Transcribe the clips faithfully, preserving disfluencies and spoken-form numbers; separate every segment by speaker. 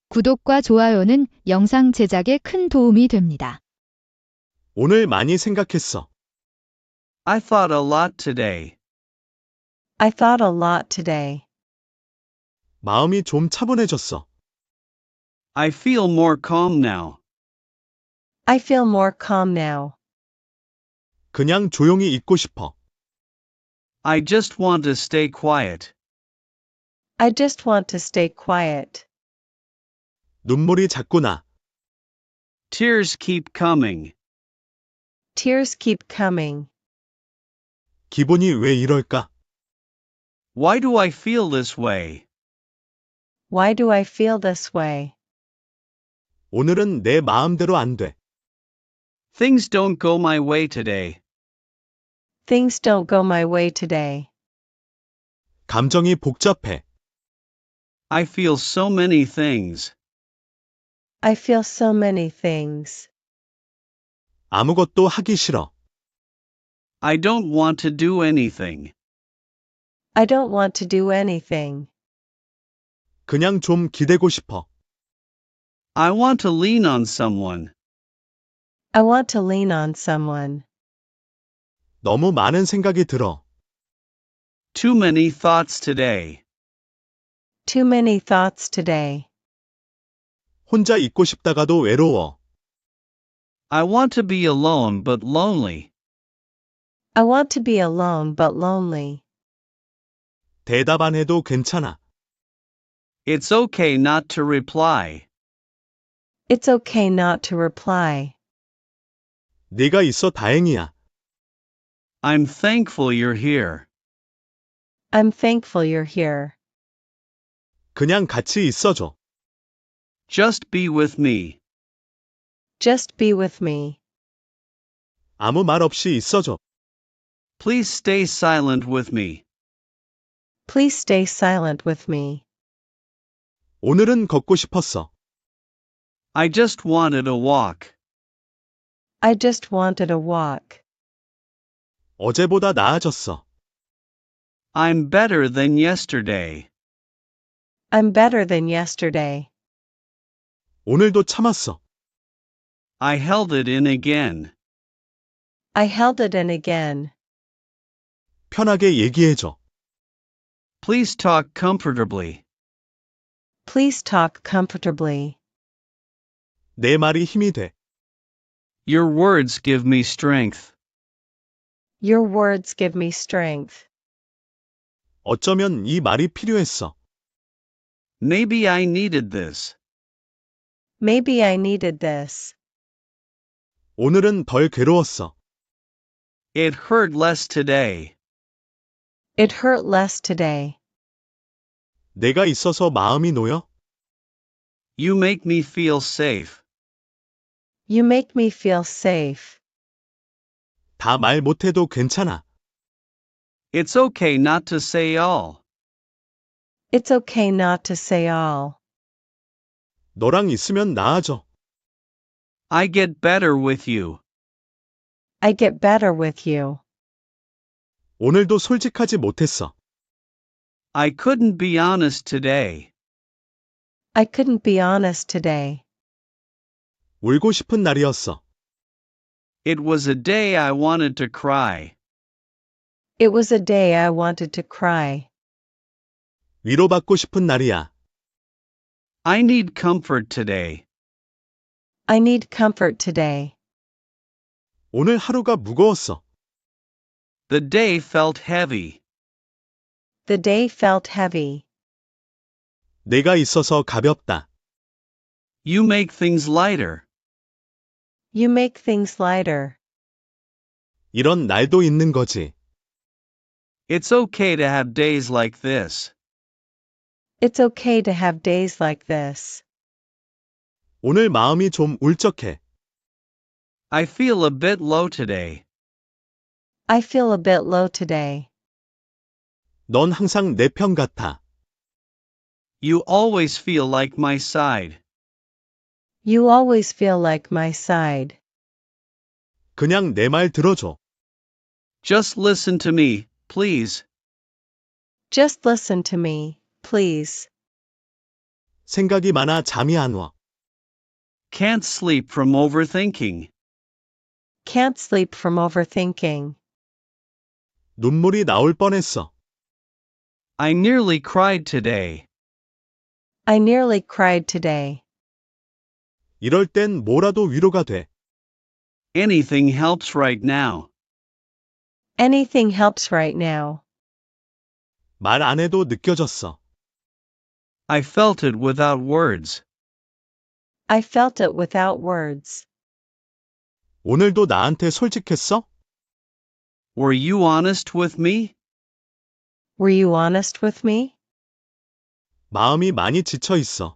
Speaker 1: 구독과 좋아요는 영상 제작에 큰 도움이 됩니다.
Speaker 2: 오늘 많이 생각했어.
Speaker 3: I thought a lot today.
Speaker 4: I thought a lot today.
Speaker 2: 마음이 좀 차분해졌어.
Speaker 3: I feel more calm now.
Speaker 4: I feel more calm now.
Speaker 2: 그냥 조용히 있고 싶어.
Speaker 3: I just want to stay quiet.
Speaker 4: I just want to stay quiet.
Speaker 2: 눈물이 자꾸 나.
Speaker 3: Tears keep coming.
Speaker 4: Tears keep coming.
Speaker 2: 기분이 왜 이럴까?
Speaker 3: Why do I feel this way?
Speaker 4: Why do I feel this way?
Speaker 2: 오늘은 내 마음대로 안 돼.
Speaker 3: Things don't go my way today.
Speaker 4: Things don't go my way today.
Speaker 2: 감정이 복잡해.
Speaker 3: I feel so many things.
Speaker 4: I feel so many things.
Speaker 2: 아무것도 하기 싫어.
Speaker 3: I don't want to do anything.
Speaker 4: I don't want to do anything.
Speaker 2: 그냥 좀 기대고 싶어.
Speaker 3: I want to lean on someone.
Speaker 4: I want to lean on someone.
Speaker 2: 너무 많은 생각이 들어.
Speaker 3: Too many thoughts today.
Speaker 4: Too many thoughts today.
Speaker 2: 혼자 있고 싶다가도 외로워.
Speaker 3: I want to be alone but lonely.
Speaker 4: I want to be alone but lonely.
Speaker 2: 대답 안 해도 괜찮아.
Speaker 3: It's okay not to reply.
Speaker 4: It's okay not to reply.
Speaker 2: 네가 있어 다행이야.
Speaker 3: I'm thankful you're here.
Speaker 4: I'm thankful you're here.
Speaker 2: 그냥 같이 있어줘.
Speaker 3: Just be with me.
Speaker 4: Just be with me.
Speaker 2: 아무 말 없이 있어줘.
Speaker 3: Please stay silent with me.
Speaker 4: Please stay silent with me.
Speaker 2: 오늘은 걷고 싶었어.
Speaker 3: I just wanted a walk.
Speaker 4: I just wanted a walk.
Speaker 2: 어제보다 나아졌어.
Speaker 3: I'm better than yesterday.
Speaker 4: I'm better than yesterday.
Speaker 2: 오늘도 참았어.
Speaker 3: I held it in again.
Speaker 4: I held it in again.
Speaker 2: 편하게 얘기해줘.
Speaker 3: Please talk comfortably.
Speaker 4: Please talk comfortably.
Speaker 2: 내 말이 힘이 돼.
Speaker 3: Your words give me strength.
Speaker 4: Your words give me strength.
Speaker 2: 어쩌면 이 말이 필요했어.
Speaker 3: Maybe I needed this.
Speaker 4: Maybe I needed this.
Speaker 2: 오늘은 덜 괴로웠어.
Speaker 3: It hurt less today.
Speaker 4: It hurt less today.
Speaker 2: 내가 있어서 마음이 놓여?
Speaker 3: You make me feel safe.
Speaker 4: You make me feel safe.
Speaker 2: 다 말 못해도 괜찮아.
Speaker 3: It's okay not to say all.
Speaker 4: It's okay not to say all.
Speaker 2: 너랑 있으면 나아져.
Speaker 3: I get better with you.
Speaker 4: I get better with you.
Speaker 2: 오늘도 솔직하지 못했어.
Speaker 3: I couldn't be honest today.
Speaker 4: I couldn't be honest today.
Speaker 2: 울고 싶은 날이었어.
Speaker 3: It was a day I wanted to cry.
Speaker 4: It was a day I wanted to cry.
Speaker 2: 위로받고 싶은 날이야.
Speaker 3: I need comfort today.
Speaker 4: I need comfort today.
Speaker 2: 오늘 하루가 무거웠어.
Speaker 3: The day felt heavy.
Speaker 4: The day felt heavy.
Speaker 2: 내가 있어서 가볍다.
Speaker 3: You make things lighter.
Speaker 4: You make things lighter.
Speaker 2: 이런 날도 있는 거지.
Speaker 3: It's okay to have days like this.
Speaker 4: It's okay to have days like this.
Speaker 2: 오늘 마음이 좀 울적해.
Speaker 3: I feel a bit low today.
Speaker 4: I feel a bit low today.
Speaker 2: 넌 항상 내 편 같아.
Speaker 3: You always feel like my side.
Speaker 4: You always feel like my side.
Speaker 2: 그냥 내 말 들어줘.
Speaker 3: Just listen to me, please.
Speaker 4: Just listen to me, please.
Speaker 2: 생각이 많아 잠이 안 와.
Speaker 3: Can't sleep from overthinking.
Speaker 4: Can't sleep from overthinking.
Speaker 2: 눈물이 나올 뻔했어.
Speaker 3: I nearly cried today.
Speaker 4: I nearly cried today.
Speaker 2: 이럴 땐 뭐라도 위로가 돼.
Speaker 3: Anything helps right now.
Speaker 4: Anything helps right now.
Speaker 2: 말 안 해도 느껴졌어.
Speaker 3: I felt it without words.
Speaker 4: I felt it without words.
Speaker 2: 오늘도 나한테 솔직했어?
Speaker 3: Were you honest with me?
Speaker 4: Were you honest with me?
Speaker 2: 마음이 많이 지쳐 있어.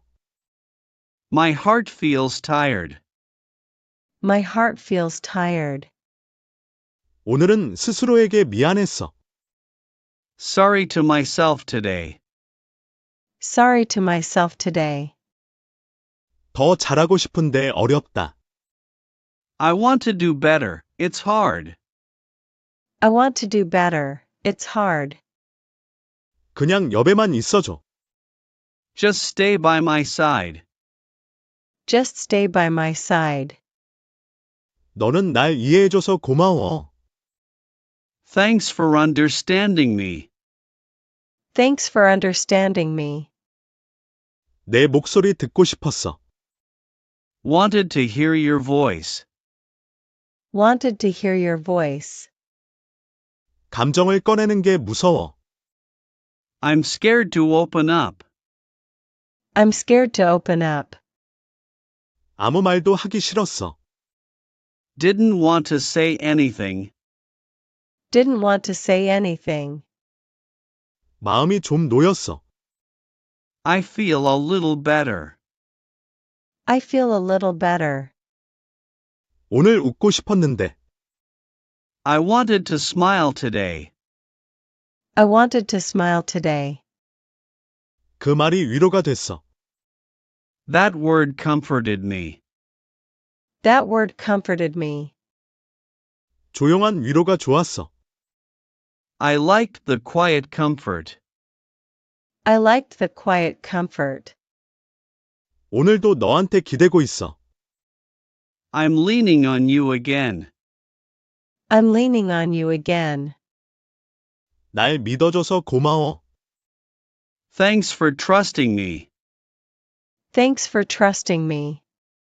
Speaker 3: My heart feels tired.
Speaker 4: My heart feels tired.
Speaker 2: 오늘은 스스로에게 미안했어.
Speaker 3: Sorry to myself today.
Speaker 4: Sorry to myself today.
Speaker 2: 더 잘하고 싶은데 어렵다.
Speaker 3: I want to do better. It's hard.
Speaker 4: I want to do better. It's hard.
Speaker 2: 그냥 옆에만 있어줘.
Speaker 3: Just stay by my side.
Speaker 4: Just stay by my side.
Speaker 2: 너는 날 이해해줘서 고마워.
Speaker 3: Thanks for understanding me.
Speaker 4: Thanks for understanding me.
Speaker 2: 내 목소리 듣고 싶었어.
Speaker 3: Wanted to hear your voice.
Speaker 4: Wanted to hear your voice.
Speaker 2: 감정을 꺼내는 게 무서워.
Speaker 3: I'm scared to open up.
Speaker 4: I'm scared to open up.
Speaker 2: 아무 말도 하기 싫었어.
Speaker 3: Didn't want to say anything.
Speaker 4: Didn't want to say anything.
Speaker 2: 마음이 좀 놓였어.
Speaker 3: I feel a little better.
Speaker 4: I feel a little better.
Speaker 2: 오늘 웃고 싶었는데.
Speaker 3: I wanted to smile today.
Speaker 4: I wanted to smile today.
Speaker 2: 그 말이 위로가 됐어.
Speaker 3: That word comforted me.
Speaker 4: That word comforted me.
Speaker 2: 조용한 위로가 좋았어.
Speaker 3: I liked the quiet comfort.
Speaker 4: I liked the quiet comfort.
Speaker 2: 오늘도 너한테 기대고 있어.
Speaker 3: I'm leaning on you again.
Speaker 4: I'm leaning on you again.
Speaker 2: 날 믿어줘서 고마워.
Speaker 3: Thanks for trusting me.
Speaker 4: Thanks for trusting me.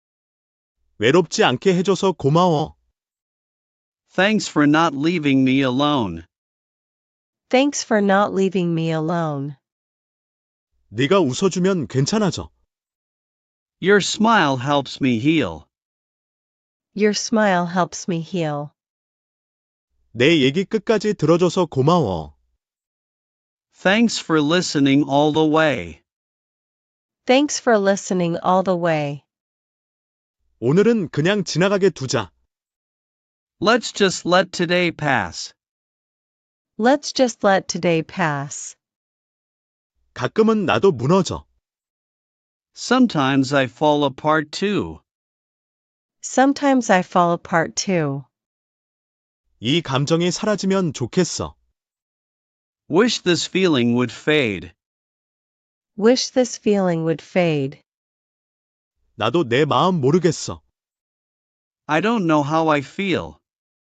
Speaker 2: 외롭지 않게 해줘서 고마워.
Speaker 3: Thanks for not leaving me alone.
Speaker 4: Thanks for not leaving me alone.
Speaker 2: 네가 웃어주면 괜찮아져.
Speaker 3: Your smile helps me heal.
Speaker 4: Your smile helps me heal.
Speaker 2: 내 얘기 끝까지 들어줘서 고마워.
Speaker 3: Thanks for listening all the way.
Speaker 4: Thanks for listening all the way.
Speaker 2: 오늘은 그냥 지나가게 두자.
Speaker 3: Let's just let today pass.
Speaker 4: Let's just let today pass.
Speaker 2: 가끔은 나도 무너져.
Speaker 3: Sometimes I fall apart too.
Speaker 4: Sometimes I fall apart too.
Speaker 2: 이 감정이 사라지면 좋겠어.
Speaker 3: Wish this feeling would fade.
Speaker 4: Wish this feeling would fade.
Speaker 2: 나도 내 마음 모르겠어.
Speaker 3: I don't know how I feel.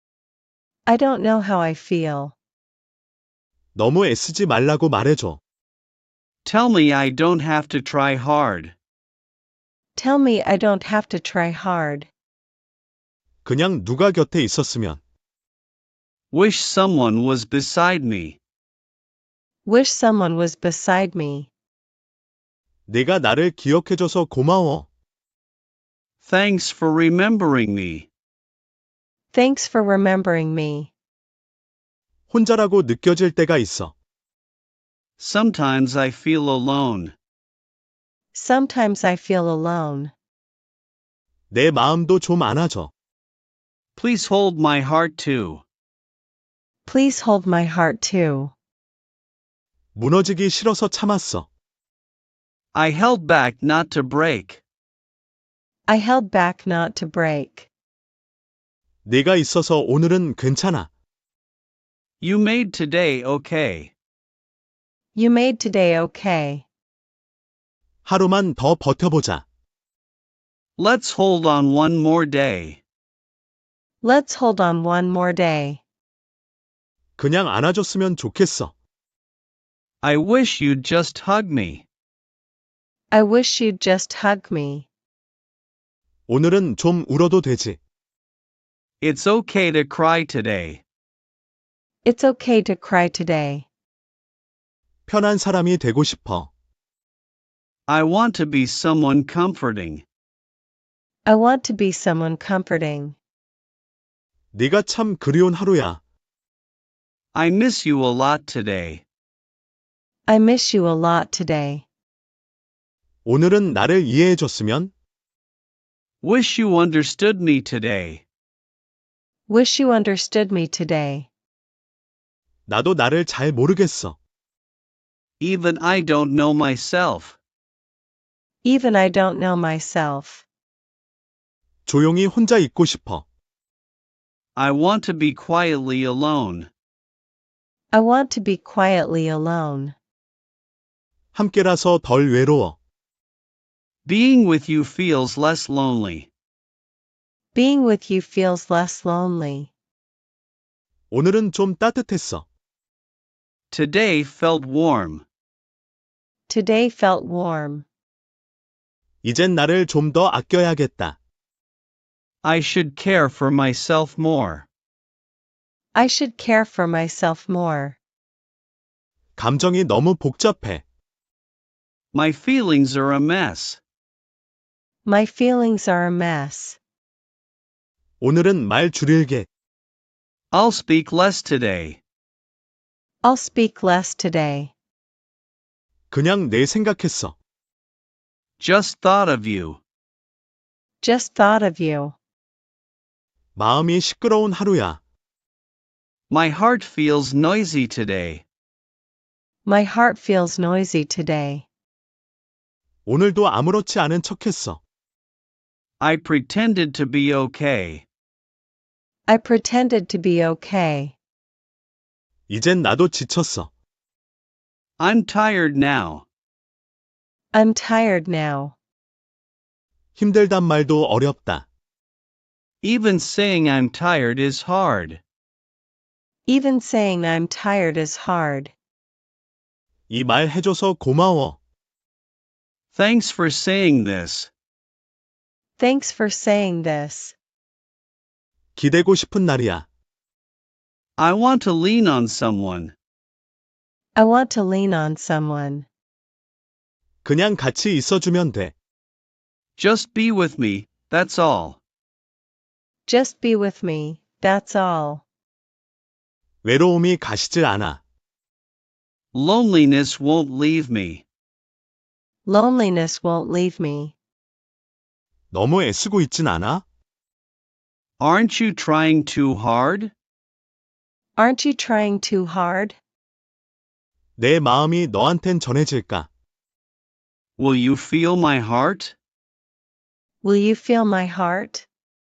Speaker 4: I don't know how I feel.
Speaker 2: 너무 애쓰지 말라고 말해줘.
Speaker 3: Tell me I don't have to try hard.
Speaker 4: Tell me I don't have to try hard.
Speaker 2: 그냥 누가 곁에 있었으면.
Speaker 3: Wish someone was beside me.
Speaker 4: Wish someone was beside me.
Speaker 2: 네가 나를 기억해줘서 고마워.
Speaker 3: Thanks for remembering me.
Speaker 4: Thanks for remembering me.
Speaker 2: 혼자라고 느껴질 때가 있어.
Speaker 3: Sometimes I feel alone.
Speaker 4: Sometimes I feel alone.
Speaker 2: 내 마음도 좀 안아줘.
Speaker 3: Please hold my heart too.
Speaker 4: Please hold my heart too.
Speaker 2: 무너지기 싫어서 참았어.
Speaker 3: I held back not to break.
Speaker 4: I held back not to break.
Speaker 2: 네가 있어서 오늘은 괜찮아.
Speaker 3: You made today okay.
Speaker 4: You made today okay.
Speaker 2: 하루만 더 버텨보자.
Speaker 3: Let's hold on one more day.
Speaker 4: Let's hold on one more day.
Speaker 2: 그냥 안아줬으면 좋겠어.
Speaker 3: I wish you'd just hug me.
Speaker 4: I wish you'd just hug me.
Speaker 2: 오늘은 좀 울어도 되지.
Speaker 3: It's okay to cry today.
Speaker 4: It's okay to cry today.
Speaker 2: 편한 사람이 되고 싶어.
Speaker 3: I want to be someone comforting.
Speaker 4: I want to be someone comforting.
Speaker 2: 네가 참 그리운 하루야.
Speaker 3: I miss you a lot today.
Speaker 4: I miss you a lot today.
Speaker 2: 오늘은 나를 이해해줬으면.
Speaker 3: Wish you understood me today.
Speaker 4: Wish you understood me today.
Speaker 2: 나도 나를 잘 모르겠어.
Speaker 3: Even I don't know myself.
Speaker 4: Even I don't know myself.
Speaker 2: 조용히 혼자 있고 싶어.
Speaker 3: I want to be quietly alone.
Speaker 4: I want to be quietly alone.
Speaker 2: 함께라서 덜 외로워.
Speaker 3: Being with you feels less lonely.
Speaker 4: Being with you feels less lonely.
Speaker 2: 오늘은 좀 따뜻했어.
Speaker 3: Today felt warm.
Speaker 4: Today felt warm.
Speaker 2: 이젠 나를 좀 더 아껴야겠다.
Speaker 3: I should care for myself more.
Speaker 4: I should care for myself more.
Speaker 2: 감정이 너무 복잡해.
Speaker 3: My feelings are a mess.
Speaker 4: My feelings are a mess.
Speaker 2: 오늘은 말 줄일게.
Speaker 3: I'll speak less today.
Speaker 4: I'll speak less today.
Speaker 2: 그냥 내 생각했어.
Speaker 3: Just thought of you.
Speaker 4: Just thought of you.
Speaker 2: 마음이 시끄러운 하루야.
Speaker 3: My heart feels noisy today.
Speaker 4: My heart feels noisy today.
Speaker 2: 오늘도 아무렇지 않은 척했어.
Speaker 3: I pretended to be okay.
Speaker 4: I pretended to be okay.
Speaker 2: 이젠 나도 지쳤어.
Speaker 3: I'm tired now.
Speaker 4: I'm tired now.
Speaker 2: 힘들단 말도 어렵다.
Speaker 3: Even saying I'm tired is hard.
Speaker 4: Even saying I'm tired is hard.
Speaker 2: 이 말 해줘서 고마워.
Speaker 3: Thanks for saying this.
Speaker 4: Thanks for saying this.
Speaker 2: 기대고 싶은 날이야.
Speaker 3: I want to lean on someone.
Speaker 4: I want to lean on someone.
Speaker 2: 그냥 같이 있어주면 돼.
Speaker 3: Just be with me, that's all.
Speaker 4: Just be with me, that's all.
Speaker 2: 외로움이 가시질 않아.
Speaker 3: Loneliness won't leave me.
Speaker 4: Loneliness won't leave me.
Speaker 2: 너무 애쓰고 있진 않아?
Speaker 3: Aren't you trying too hard?
Speaker 4: Aren't you trying too hard?
Speaker 2: 내 마음이 너한텐 전해질까?
Speaker 3: Will you feel my heart?
Speaker 4: Will you feel my heart?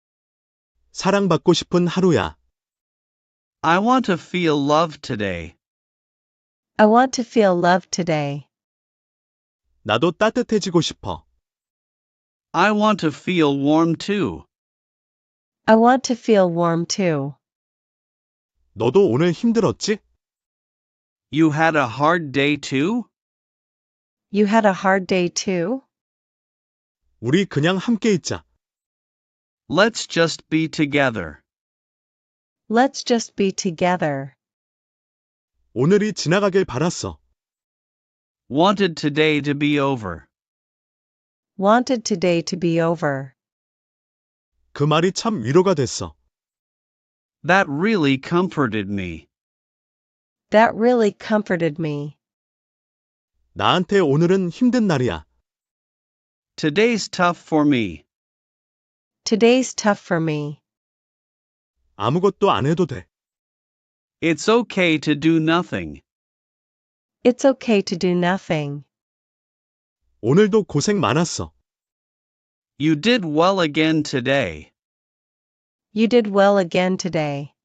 Speaker 2: 사랑받고 싶은 하루야.
Speaker 3: I want to feel love today.
Speaker 4: I want to feel love today.
Speaker 2: 나도 따뜻해지고 싶어.
Speaker 3: I want to feel warm too.
Speaker 4: I want to feel warm too.
Speaker 2: 너도 오늘 힘들었지?
Speaker 3: You had a hard day too?
Speaker 4: You had a hard day too?
Speaker 2: 우리 그냥 함께 있자.
Speaker 3: Let's just be together.
Speaker 4: Let's just be together.
Speaker 2: 오늘이 지나가길 바랐어.
Speaker 3: Wanted today to be over.
Speaker 4: Wanted today to be over.
Speaker 2: 그 말이 참 위로가 됐어.
Speaker 3: That really comforted me.
Speaker 4: That really comforted me.
Speaker 2: 나한테 오늘은 힘든 날이야.
Speaker 3: Today's tough for me.
Speaker 4: Today's tough for me.
Speaker 2: 아무것도 안 해도 돼.
Speaker 3: It's okay to do nothing.
Speaker 4: It's okay to do nothing.
Speaker 2: 오늘도 고생 많았어.
Speaker 3: You did well again today.
Speaker 4: You did well again today.